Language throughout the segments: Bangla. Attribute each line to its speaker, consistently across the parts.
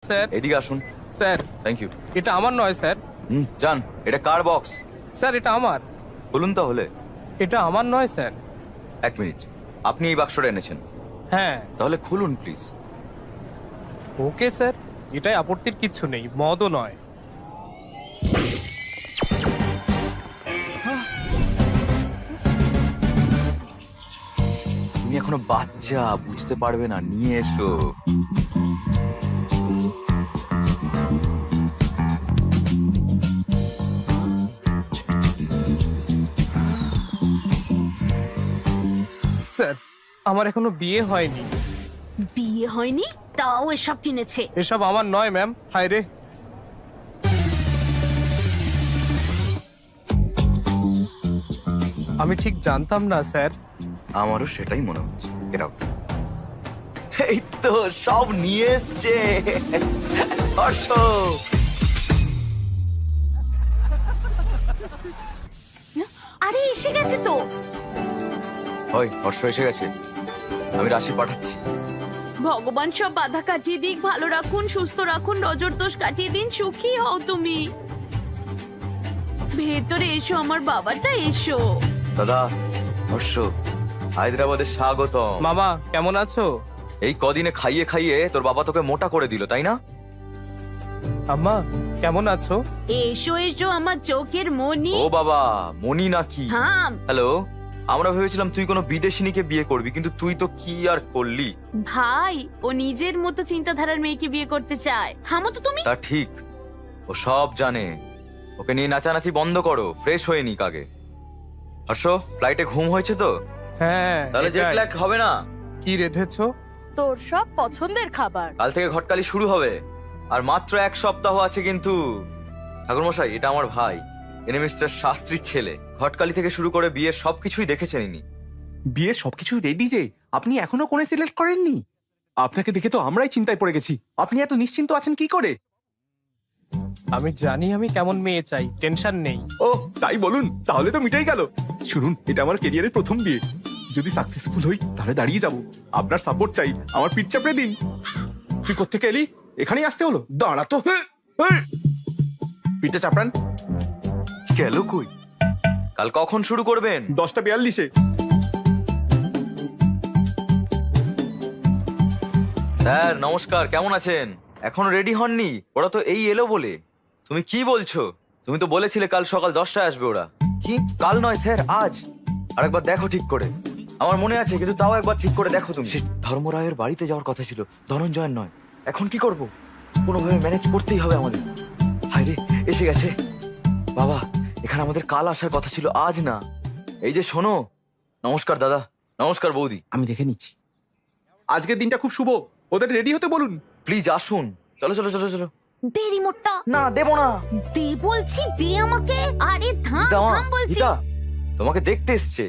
Speaker 1: স্যার।
Speaker 2: এদিকে আসুন।
Speaker 1: Sir
Speaker 2: thank you.
Speaker 1: এটা আমার নয় স্যার।
Speaker 2: যান, এটা কার বক্স?
Speaker 1: স্যার এটা আমার।
Speaker 2: বলুন তাহলে।
Speaker 1: এটা আমার নয় স্যার।
Speaker 2: এক মিনিট, আপনি এই বাক্সটা এনেছেন?
Speaker 1: হ্যাঁ।
Speaker 2: তাহলে খুলুন প্লিজ।
Speaker 1: ওকে স্যার, এটাই আপত্তির কিচ্ছু নেই, মদও নয়।
Speaker 2: তুমি এখনো বাচ্চা, বুঝতে পারবে না, নিয়ে এসো।
Speaker 1: স্যার আমার এখনো বিয়ে হয়নি।
Speaker 3: বিয়ে হয়নি তাও এসব কিনেছে?
Speaker 1: এসব আমার নয় ম্যাম। হায় রে, আমি ঠিক জানতাম না স্যার।
Speaker 2: আমারও সেটাই মনে হচ্ছে। Get out. এই তো সব নিয়ে এসছে। হর্ষ,
Speaker 3: আরে এসে গেছে তো।
Speaker 2: ওই হর্ষ এসে গেছে, আমি রাশি পাঠাচ্ছি।
Speaker 3: ভগবান সব বাধা কাটিয়ে দিক, ভালো রাখুন, সুস্থ রাখুন, নজর দোষ কাটিয়ে দিন, সুখী হও তুমি। ভেতরে এসো আমার বাবাটা, এসো।
Speaker 2: দাদা, হর্ষ, হায়দ্রাবাদের স্বাগতম।
Speaker 1: মামা কেমন আছো?
Speaker 2: এই কদিনে খাইয়ে খাইয়ে তোর বাবা তোকে মোটা করে দিল, তাই না?
Speaker 1: আম্মা কেমন আছো?
Speaker 3: এসো এসো আমার চোখের মনি।
Speaker 2: ও বাবা, মনি নাকি?
Speaker 3: থাম।
Speaker 2: হ্যালো, আমরা ভেবেছিলাম তুই কোনো বিদেশিনীকে বিয়ে করবি, কিন্তু তুই তো কি আর করলি।
Speaker 3: ভাই, ও নিজের মতো চিন্তাধারার মেয়েকে বিয়ে করতে চায়। থামো তো তুমি।
Speaker 2: তা ঠিক, ও সব জানে। ওকে নিয়ে নাচানাচি বন্ধ করো, ফ্রেশ হয়ে নিক আগে। হর্ষ, ফ্লাইটে ঘুম হয়েছে তো?
Speaker 1: হ্যাঁ।
Speaker 2: তাহলে জেট
Speaker 1: এটাই।
Speaker 2: ল্যাগ হবে না।
Speaker 1: কি রেধেছো?
Speaker 4: তোর সব পছন্দের খাবার।
Speaker 2: কাল থেকে ঘটকালি শুরু হবে, আর মাত্র 1 সপ্তাহ আছে কিন্তু। ঠাকুরমশাই, এটা আমার ভাই, এনে মিস্টার শাস্ত্রীর ছেলে। ঘটকালি থেকে শুরু করে বিয়ের সবকিছুই দেখেছেন ইনি।
Speaker 5: বিয়ের সবকিছু রেডি যে, আপনি এখনো কোণে সিলেক্ট করেননি? আপনাকে দেখে তো আমরাই চিন্তায় পড়ে গেছি। আপনি এত নিশ্চিন্ত আছেন কি করে?
Speaker 1: আমি জানি আমি কেমন মেয়ে চাই, টেনশন নেই।
Speaker 5: ও তাই বলুন, তাহলে তো মিটাই গেল। শুনুন, এটা আমার কেরিয়ারের প্রথম বিয়ে। যদি সাকসেসফুল হই তাহলে দাঁড়িয়ে যাব। আপনার সাপোর্ট চাই, আমার পিঠ চাপড়ে দিন। তুই কোত্থেকে এলি? এখানেই আসতে হলো? দাঁড়া তো। পিঠে চাপড়ান।
Speaker 2: গেল কই? কাল কখন শুরু করবেন?
Speaker 5: 10:42-এ।
Speaker 2: স্যার নমস্কার, কেমন আছেন? এখন রেডি হননি? ওরা তো এই এলো বলে। তুমি কি বলছো? তুমি তো বলেছিলে কাল সকাল 10টায় আসবে ওরা। কি? কাল নয় স্যার, আজ। আরেকবার দেখো ঠিক করে। আমার মনে আছে, কিন্তু তাও একবার ঠিক করে দেখো তুমি। ধর্মরায়ের বাড়িতে যাওয়ার কথা ছিল, ধনঞ্জয়ের নয়। এখন কি করব? কোনোভাবে ম্যানেজ করতেই হবে আমাদের। হায়রে, এসে গেছে। বাবা, এখানে আমাদের কাল আসার কথা ছিল, আজ না। এই যে শোনো। নমস্কার দাদা। নমস্কার বৌদি।
Speaker 5: আমি দেখে নিচ্ছি। আজকের দিনটা খুব শুভ, ওদের রেডি হতে বলুন।
Speaker 2: প্লিজ আসুন। চলো চলো চলো চলো।
Speaker 3: দে রিমোটটা।
Speaker 2: না, দেবো না।
Speaker 3: দে বলছি, দে আমাকে। আরে থাম
Speaker 2: গীতা মা,
Speaker 3: থাম বলছি।
Speaker 2: গীতা, তোমাকে দেখতে এসছে।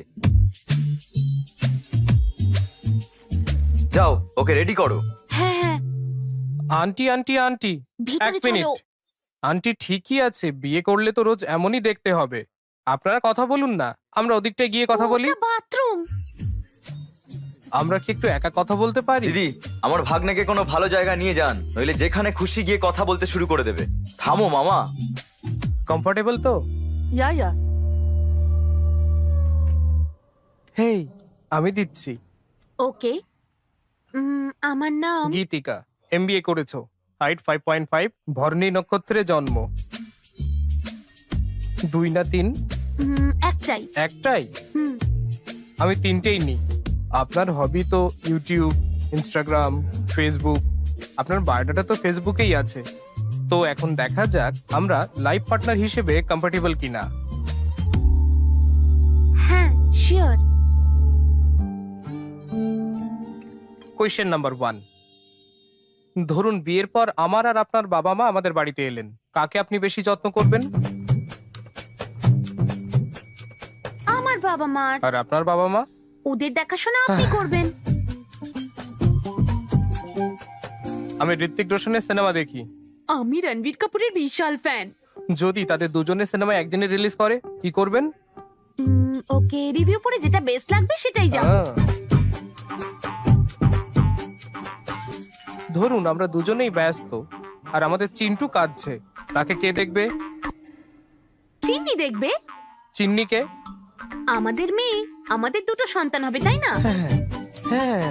Speaker 2: যাও, ওকে রেডি করো।
Speaker 3: হ্যাঁ হ্যাঁ,
Speaker 1: আন্টি আন্টি আন্টি,
Speaker 3: ভিতরে
Speaker 1: এক মিনিট।
Speaker 3: চলো।
Speaker 1: আন্টি ঠিকই আছে, বিয়ে করলে তো রোজ এমনই দেখতে হবে। আপনারা কথা বলুন না, আমরা ওদিকটায় গিয়ে কথা বলি।
Speaker 3: ওটা বাথরুম।
Speaker 1: আমরা কি একটু একা কথা বলতে পারি?
Speaker 2: দিদি, আমার ভাগ্নেকে কোনো ভালো জায়গা নিয়ে যান, নইলে যেখানে খুশি গিয়ে কথা বলতে শুরু করে দেবে। থামো মামা।
Speaker 1: কমফোর্টেবল তো?
Speaker 4: ইয়া
Speaker 1: হেই, আমি দিচ্ছি।
Speaker 3: ওকে। আমার নাম
Speaker 1: গীতিকা, এমবিএ করেছো, হাইট 5.5, ভরণী নক্ষত্রে জন্ম। 2 না 3?
Speaker 3: একটাই।
Speaker 1: একটাই?
Speaker 3: হুম,
Speaker 1: আমি 3টেই নিই। আপনার হবি তো ইউটিউব, ইনস্টাগ্রাম, ফেসবুক। আপনার বায়োডাটা তো ফেসবুকেই আছে। তো এখন দেখা যাক আমরা লাইফ পার্টনার হিসেবে কম্পাটিবল কিনা।
Speaker 3: হ্যাঁ শিওর।
Speaker 1: Question number 1। ধরুন বিয়ের পর আমার আর আপনার বাবা মা আমাদের বাড়িতে এলেন, কাকে আপনি বেশি যত্ন করবেন?
Speaker 3: আমার বাবা মার।
Speaker 1: আর আপনার বাবা মা?
Speaker 3: ওদের দেখাশোনা আপনি করবেন।
Speaker 1: আমি ঋত্বিক রোশনের সিনেমা দেখি।
Speaker 3: আমি রণবীর কাপুরের বিশাল ফ্যান।
Speaker 1: যদি তাদের দুজনের সিনেমা একদিনে রিলিজ করে, কি করবেন?
Speaker 3: ওকে, রিভিউ পড়ে যেটা বেস্ট লাগবে সেটাই যাব।
Speaker 1: ধরুন আমরা দুজনেই ব্যস্ত, আর আমাদের চিন্টু কাঁদছে। তাকে কে দেখবে?
Speaker 3: চিনি দেখবে?
Speaker 1: চিন্নিকে?
Speaker 3: আমাদের মেয়ে, আমাদের দুটো সন্তান হবে, তাই না?
Speaker 1: হ্যাঁ।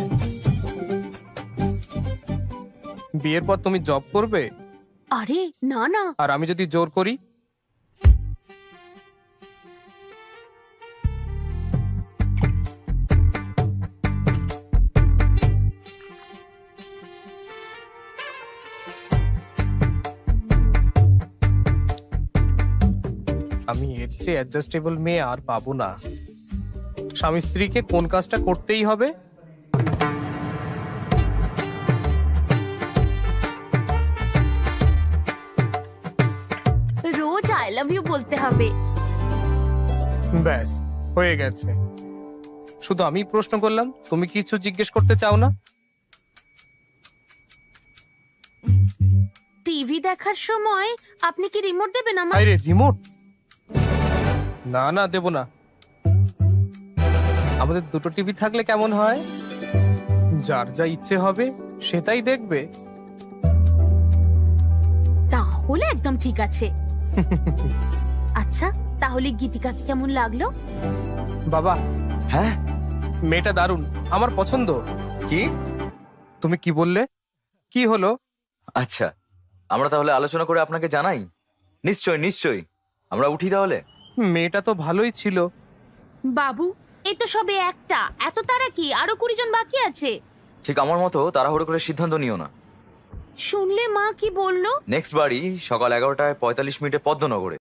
Speaker 1: বিয়ের পর তুমি জব করবে,
Speaker 3: আরে না না,
Speaker 1: আর আমি যদি জোর করি? আমি এর চেয়ে অ্যাডজাস্টেবল মেয়ে আর পাবো না। স্বামী স্ত্রীকে কোন কাজটা করতেই হবে?
Speaker 3: রোজ আই লাভ ইউ বলতে হবে।
Speaker 1: ব্যাস, হয়ে গেছে। শুধু আমি প্রশ্ন করলাম, তুমি কিছু জিজ্ঞেস করতে চাও না?
Speaker 3: টিভি দেখার সময় আপনি কি রিমোট দেবেন আমার?
Speaker 1: আরে রিমোট? না না, দেব না। আমাদের দুটো টিভি থাকলে কেমন হয়? যার যা ইচ্ছে হবে সেটাই দেখবে।
Speaker 3: তাহলে একদম ঠিক আছে। আচ্ছা, তাহলে গীতিকাকে কেমন লাগলো?
Speaker 1: বাবা,
Speaker 2: হ্যাঁ?
Speaker 1: মেয়েটা দারুণ, আমার পছন্দ।
Speaker 2: কি?
Speaker 1: তুমি কি বললে? কি হলো?
Speaker 2: আচ্ছা, আমরা তাহলে আলোচনা করে আপনাকে জানাই। নিশ্চয় নিশ্চয়, আমরা উঠি তাহলে।
Speaker 1: মেয়েটা তো ভালোই ছিল।
Speaker 3: বাবু, এই তো সবে একটা, এত তারা কি? আরো 20 জন বাকি আছে।
Speaker 2: ঠিক আমার মতো তাড়াহুড়ো করে সিদ্ধান্ত নিও না।
Speaker 3: শুনলে মা কি বললো?
Speaker 2: নেক্সট বাড়ি সকাল 11টায় 45 মিনিটে পদ্মনগরে।